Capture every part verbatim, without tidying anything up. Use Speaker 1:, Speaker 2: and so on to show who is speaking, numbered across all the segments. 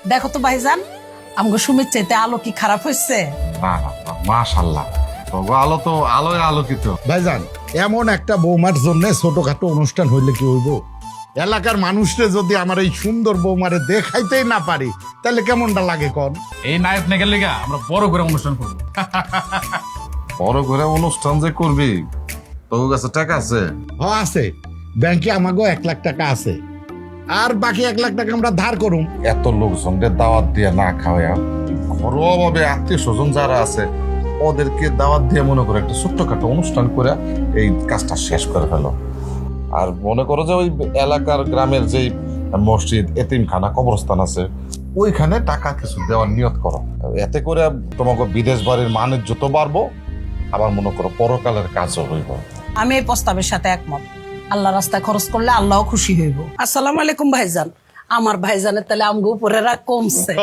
Speaker 1: দেখো তো ভাইজান, আমাকে সুমিত চাইতে আলো কি খারাপ হয়েছে?
Speaker 2: না না না, মাশাআল্লাহ, তবে আলো তো আলোয় আলোকিত।
Speaker 3: ভাইজান, এমন একটা বৌমার জন্য ছোটখাটো অনুষ্ঠান হইলে কি হইব? এলাকার মানুষরে যদি আমার এই সুন্দর বৌমারে দেখাইতেই না পারি তাহলে কেমনটা লাগে কন?
Speaker 4: এই নায়ক নায়কের লেগা আমরা বড় করে অনুষ্ঠান করবো।
Speaker 2: বড় করে অনুষ্ঠান যে করবি, তোর কাছে টাকা আছে?
Speaker 3: হ আছে, ব্যাংকে আমাকেও এক লাখ টাকা আছে, আর বাকি এক লাখ টাকা আমরা ধার করুম।
Speaker 2: এত লোকজনদের দাওয়াত দিয়ে না খাওয়া, ঘরোয়া ভাবে আত্মীয় স্বজন যারা আছে ওদেরকে দাওয়াত দিয়ে মনে করে একটা ছোট্টখাটো অনুষ্ঠান করে এই কাজটা শেষ করে ফেলো। আর মনে করো যে ওই এলাকার গ্রামের যেই মসজিদ, এতিমখানা, কবরস্থান আছে ওইখানে টাকা কিছু দেওয়ার নিয়ত করো। এতে করে তোমাকে বিদেশ বাড়ির মানের যত বাড়বো, আবার মনে করো পরকালের কাজও হইব।
Speaker 1: আমি এই প্রস্তাবের সাথে একমত। আল্লাহ রাস্তায় খরচ করলে আল্লাহ খুশি হইব। আসসালামু আলাইকুম ভাইজান। আমার ভাইজানের তাহলে আমগো উপরে রাগ কমছে।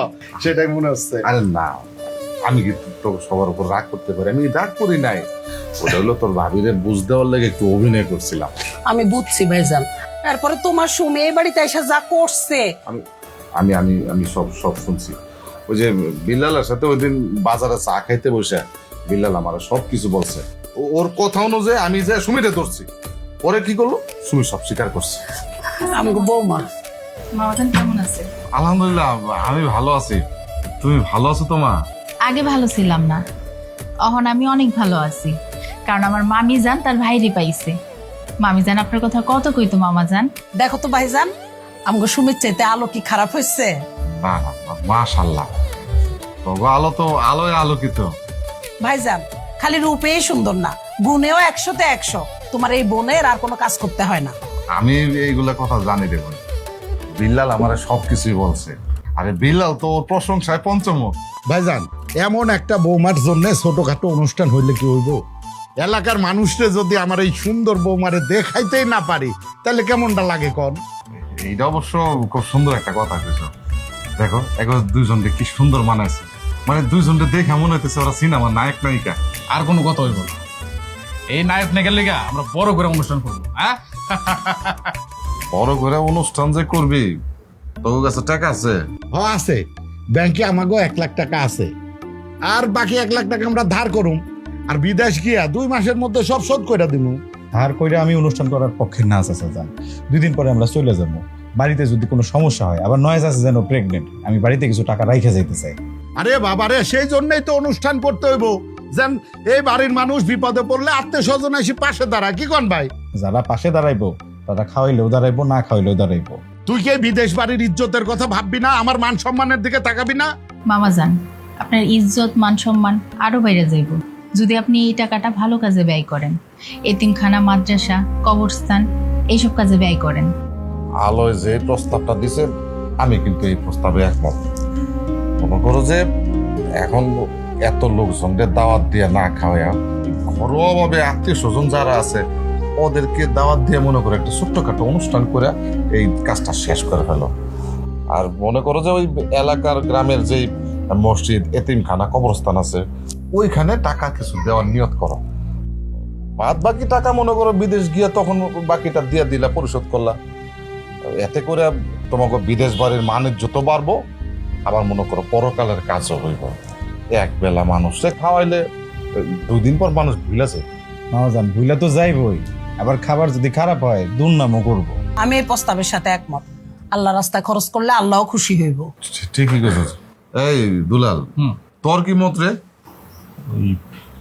Speaker 3: সেটাই মনে হচ্ছে।
Speaker 2: আরে না, আমি কি তো সবার উপর রাগ করতে পারি? আমি রাগ করি নাই, ওটা হলো তোর ভাবিরে বুঝ দেওয়ার লেগে একটু অভিনয় করছিলাম।
Speaker 1: আমি বুঝছি ভাইজান, তারপরে তোমার সুমি এই বাড়িতে এসে যা করছে।
Speaker 2: আমি আমি আমি আমি সব সব শুনছি। ওই যে বিল্লালের সাথে ওই দিন বাজারে চা খাইতে বসে বিল্লাল আমার সব কিছু বলছে। ও- ওর কথা অনুযায়ী আমি যে সুমিরে ধরছি, পরে কি করলো সুমি সব স্বীকার করছে।
Speaker 1: আমগো বৌমা
Speaker 5: মামাজান কেমন আছে?
Speaker 2: আলহামদুলিল্লাহ, আমি ভালো আছি। তুমি ভালো আছো তো মা?
Speaker 5: আগে ভালো ছিলাম না, এখন আমি অনেক ভালো আছি, কারণ আমার মামি জান তার ভাইরে পাইছে। মামি জান আপনার কথা কত কইতো মামা জান।
Speaker 1: দেখো তো ভাইজান, আমগো সুমিত চাইতে আলো কি খারাপ হয়েছে?
Speaker 2: না না না, মাশাআল্লাহ, তবে আলো তো আলোয় আলোকিত।
Speaker 1: ভাইজান, খালি রূপেই সুন্দর না, গুণেও একশোতে একশো। তোমার এই বোনের আর কোনো কাজ করতে হয় না।
Speaker 2: আমি এইগুলা কথা জানি রে বোন। বিল্লাল আমার সবকিছুই বলছে। আরে বিল্লাল তো ওর প্রশংসায় পঞ্চমুখ।
Speaker 3: ভাইজান, এমন একটা বৌমার জন্য ছোটখাটো অনুষ্ঠান হইলে কি হইব? এলাকার মানুষরে যদি আমার এই সুন্দর বৌমারে দেখাইতেই না পারি তাহলে কেমনটা লাগে কন?
Speaker 2: এইটা অবশ্য খুব সুন্দর একটা কথা কইছো। দেখো একবার দুইজনকে কি সুন্দর মানাইছে, মানে দুইজনকে দেখে মনে হইতেছে ওরা সিনেমার নায়ক নায়িকা।
Speaker 4: আর কোনো কথা হইব না। এই নায়ক নায়কের লেগা আমরা বড় করে অনুষ্ঠান করবো। হ্যাঁ,
Speaker 2: বড় করে অনুষ্ঠান যে করবি, তোর কাছে টাকা আছে?
Speaker 3: হ আছে, ব্যাংকে আমাকেও এক লাখ টাকা আছে, আর বাকি এক লাখ টাকা আমরা ধার করুম। আর বিদেশ গিয়া দুই মাসের মধ্যে সব শোধ করে দিমু।
Speaker 6: ধার কইরা আমি অনুষ্ঠান করার পক্ষে না আছে যান। দুই দিন পরে আমরা চলে যাবো। বাড়িতে যদি কোনো সমস্যা হয়, আবার নয় আছে যেন প্রেগনেন্ট, আমি বাড়িতে কিছু টাকা রাইখে যাইতে চাই।
Speaker 3: আরে বাবারে, সেই জন্যই তো অনুষ্ঠান করতে হইব, যেন এই বাড়ির মানুষ বিপদে পড়লে আত্মীয় স্বজন এসে পাশে দাঁড়া। কি কন ভাই?
Speaker 6: যারা পাশে দাঁড়াইবো তারা খাওয়াইলেও দাঁড়াইবো, না খাওয়াইলেও দাঁড়াইবো।
Speaker 3: তুই কি এই বিদেশ বাড়ির ইজ্জতের কথা ভাববি না? আমার মান সম্মানের দিকে তাকাবি না?
Speaker 5: মামা জান, আপনার ইজ্জত মান সম্মান আরো বাইরে যাইব যদি আপনি এই টাকাটা ভালো কাজে ব্যয় করেন। এতিমখানা, মাদ্রাসা, কবরস্থান এইসব কাজে ব্যয় করেন।
Speaker 2: আলোয় যে প্রস্তাবটা দিছে আমি কিন্তু এই প্রস্তাবে একমত। মনে করো যে এখন এত লোকজনদের দাওয়াত দিয়ে না খাওয়া, ঘরোয়া ভাবে আত্মীয় স্বজন যারা আছে ওদেরকে দাওয়াত দিয়ে মনে করো একটা ছোট্টখাটো অনুষ্ঠান করে এই কাজটা শেষ করে ফেলো। আর মনে করো যে ওই এলাকার গ্রামের যেই মসজিদ, এতিমখানা, কবরস্থান আছে ওইখানে টাকা কিছু দেওয়ার নিয়ত করো। বাদ বাকি টাকা মনে করো বিদেশ গিয়ে তখন বাকিটা দিয়ে দিলা, পরিশোধ করলা। এতে করে তোমাকে বিদেশ বাড়ির মানের যত বাড়বো, আবার মনে করো পরকালের কাজও হইব। এক বেলা মানুষে খাওয়াইলে দুই দিন পর মানুষ ভুলে যায়।
Speaker 6: মামাজান, ভুলে তো যাইবই, আবার খাবার যদি খারাপ হয় দুর্নামও করবো।
Speaker 1: আমি এই প্রস্তাবের সাথে একমত। আল্লাহ রাস্তায় খরচ করলে আল্লাহ খুশি হইব।
Speaker 2: ঠিকই কথা। এই দুলাল,
Speaker 4: হুম।
Speaker 2: তোর কি মত রে?
Speaker 4: ওই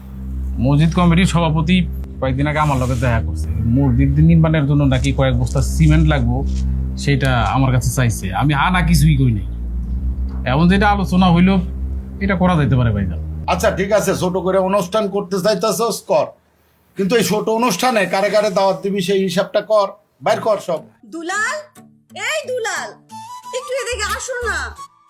Speaker 4: মসজিদ কমিটির সভাপতি কয়েকদিন আগে আমার লগে দেখা করছে। মসজিদ নির্মাণের জন্য নাকি কয়েক বস্তা সিমেন্ট লাগবো, সেটা আমার কাছে চাইছে। আমি হা না কিছুই কই নাই। এমন যেটা আলোচনা হইলো এটা করা যাইতে পারে ভাইজান।
Speaker 3: আচ্ছা ঠিক আছে, ছোট করে অনুষ্ঠান করতে চাইতেছস কর, কিন্তু এই ছোট অনুষ্ঠানে কারে কারে দাওয়াত দিবি সেই হিসাবটা কর, বাইর কর সব।
Speaker 7: দুলাল, এই দুলাল, একটু এদিকে আসো না।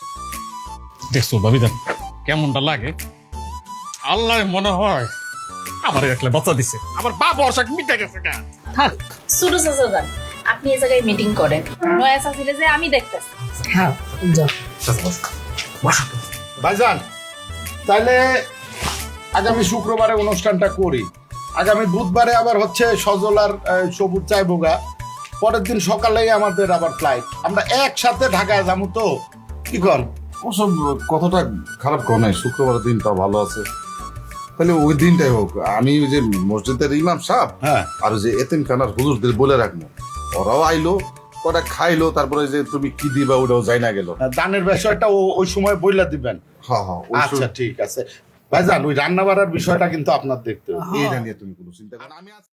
Speaker 4: দেখছো ভাবিজান কেমনটা লাগে? আল্লাহ মনে হয় আমার একলা বাচ্চা দিছে, আমার বাপ অর্শাক মিটে গেছে।
Speaker 1: থাক।
Speaker 5: শুরু যান, আপনি এই জায়গায় মিটিং করেন। নয়া চাচিলে যে আমি দেখতেছি।
Speaker 1: হ্যাঁ, যাও।
Speaker 3: ভাইজান, তাহলে আগামী শুক্রবারে অনুষ্ঠানটা করি। আগামী বুধবারে আবার হচ্ছে সজল আর আহ, সবুজ চাইবোগা। পরের দিন সকালেই আমাদের আবার ফ্লাইট, আমরা একসাথে ঢাকায় যাবো। তো কি কর?
Speaker 2: ওসব কতটা খারাপ কর নাই, শুক্রবারের দিনটা ভালো আছে, তাহলে ওই দিনটাই হোক। আমি ওই যে মসজিদের ইমাম সাহেব
Speaker 3: হ্যাঁ
Speaker 2: আর ওই যে এতিমখানার হুজুরদের বলে রাখবো, ওরাও আইলো, কটা খাইলো, তারপরে যে তুমি কি দিবা ওটাও যাই না গেল।
Speaker 3: দানের বিষয়টা ও- ওই সময় বইলা দিবেন।
Speaker 2: হ্যাঁ হ্যাঁ, ওই
Speaker 3: আচ্ছা
Speaker 2: সব-
Speaker 3: ঠিক আছে ভাইজান, ওই রান্না বাড়ার বিষয়টা কিন্তু আপনার দেখতে হবে।
Speaker 2: এইটা নিয়ে তুমি কোনো চিন্তা করো না। আমি আজ-